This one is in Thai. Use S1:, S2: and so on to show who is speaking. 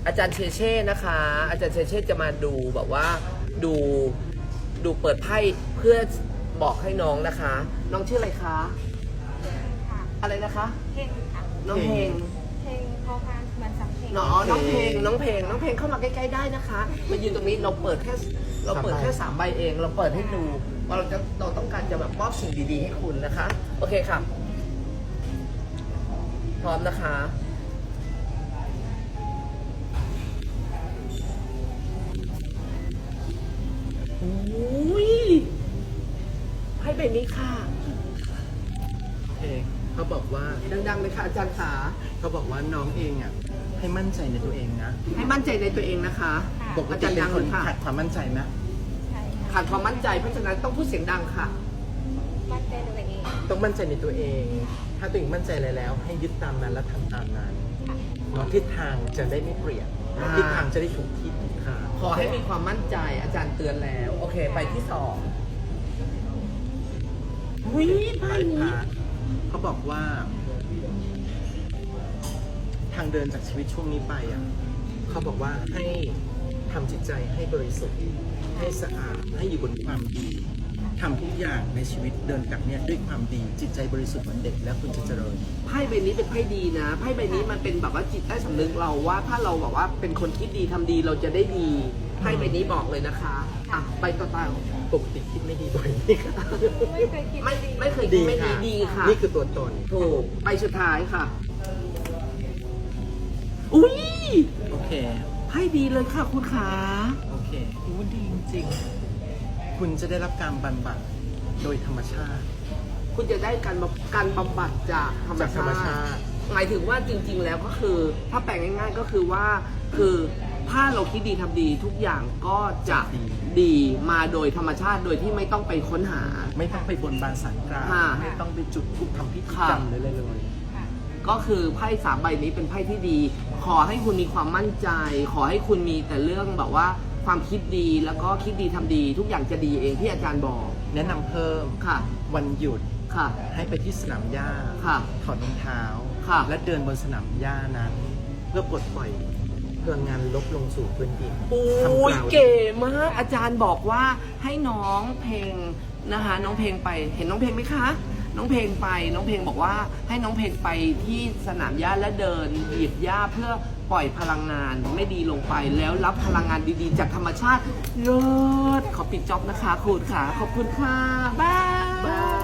S1: อาจารย์เชเช่นะคะ อาจารย์เชเช่จะมาดูแบบว่าดูเปิดไพ่เพื่อบอกให้น้องนะคะ น้องชื่ออะไรคะ
S2: ค่ะ
S1: อะไรนะคะ
S2: เพลงค่ะ
S1: น้องเพลง
S2: เพลงพอพานเหมือนสำเพลง
S1: น้องเพลงเข้ามาใกล้ๆได้นะคะมายืนตรงนี้เราเปิดแค่3 ใบเอง เราเปิดให้ดูว่าเราต้องการจะแบบมอบสิ่งดีๆให้คุณนะคะ โอเคค่ะ พร้อมนะคะอุ้ยไพ่ใบนี้ค่ะ
S3: เองเขาบอกว่า
S1: ดังๆเลยค่ะอาจารย์ขา
S3: เขาบอกว่าน้องเองอ่ะให้มั่นใจในตัวเองนะ
S1: ให้มั่นใจในตัวเองนะคะ
S3: ปก
S1: อา
S3: ติ
S1: จารย์
S3: เป็
S1: ดั
S3: น
S1: ง
S3: ค
S1: เล
S3: น
S1: ยค่ะ
S3: ขาดความมั่นใจไหม
S2: ใช่ค่ะ
S1: ขาดความมั่นใจเพราะฉะนั้นต้องพูดเสียงดังค่ะ
S2: มั่นใจในตัวเอง
S3: ต้องมั่นใจในตัวเอง ถ้าตัวเองมั่นใจอะไรแล้ว ให้ยึดตามนั้นและทำตามนั้นเนาะทิศทางจะได้ไม่เปลี่ยน
S1: อ่า
S3: ทิศทางจะได้ถูกที่ถูกทาง
S1: ขอให้มีความมั่นใจอาจารย์เตือนแล้ว โอเคไปที่2อุ้ยไพ่
S3: ไพ่
S1: นี้
S3: พระเขาบอกว่า ทางเดินจากชีวิตช่วงนี้ไปอ่ะเขาบอกว่าให้ทำจิตใจให้บริสุทธิ์ให้สะอาดให้อยู่บนความดีทำทุกอย่างในชีวิตเดินกับเนี่ยด้วยความดีจิตใจบริสุทธิ์เหมือนเด็กแล้วคุณจะเจริญ
S1: ไพ่ใบนี้เป็นไพ่ดีนะไพ่ใบนี้มันเป็นแบบว่าจิตใต้สำนึกเราว่าถ้าเราแบบว่าเป็นคนคิดดีทำดีเราจะได้ดีไพ่ใบนี้บอกเลยนะคะอ่ะใบต่อไป
S3: ปกติคิดไม่ดีบ่อยนี่ค่ะ
S2: ไม่เคยคิด
S1: ไม่เคยคิดไม่ดีดีค่ะ
S3: นี่คือตัวตน
S1: ถูกใบสุดท้ายค่ะ อุ้ย
S3: โอเค
S1: ไพ่ดีเลยค่ะคุณขา
S3: โอเคอู้ดีจริงๆคุณจะได้รับการบำบัดโดยธรรมชาติ
S1: คุณจะได้การบำบัดจากธรรม
S3: จากธรรมชาติ
S1: หมายถึงว่าจริง ๆ แล้วก็คือ ถ้าแปลงง่าย ๆ ก็คือว่าคือถ้าเราคิดดีทำดีทุกอย่างก็จะดีมาโดยธรรมชาติโดยที่ไม่ต้องไปค้นหา
S3: ไม่ต้องไปบนบานสารกล่าว
S1: ค่ะ
S3: ไม่ต้องไปจุดธูปทำพิธี
S1: ค่ะ
S3: กรรมเลยเลย
S2: ค่ะ
S1: ก็คือไพ่3 ใบนี้เป็นไพ่ที่ดี ขอให้คุณมีความมั่นใจ ขอให้คุณมีแต่เรื่องแบบว่าความคิดดีแล้วก็คิดดีทำดี ทุกอย่างจะดีเองที่อาจารย์บอก
S3: แนะนำเพิ่ม
S1: ค่ะ
S3: วันหยุด
S1: ค่ะ
S3: ให้ไปที่สนามหญ้า
S1: ค่ะ
S3: ถอดรองเท้า
S1: ค่ะ
S3: และเดินบนสนามหญ้านั้น เพื่อปลดปล่อยพลังงานลบลงสู่พื้นดิน
S1: โอ้
S3: ทำ
S1: ย
S3: กล่าว
S1: เก๋มากอาจารย์บอกว่าให้น้องเพลงนะคะ น้องเพลงไปเห็นน้องเพลงไหมคะ น้องเพลงไปน้องเพลงบอกว่าให้น้องเพลงไปที่สนามหญ้าและเดินเหยียบหญ้าเพื่อปล่อยพลังงานไม่ดีลงไปแล้วรับพลังงานดีๆ จากธรรมชาติเลิศขอปิดจ็อบนะคะคุณค่ะขอบคุณค่ะบาย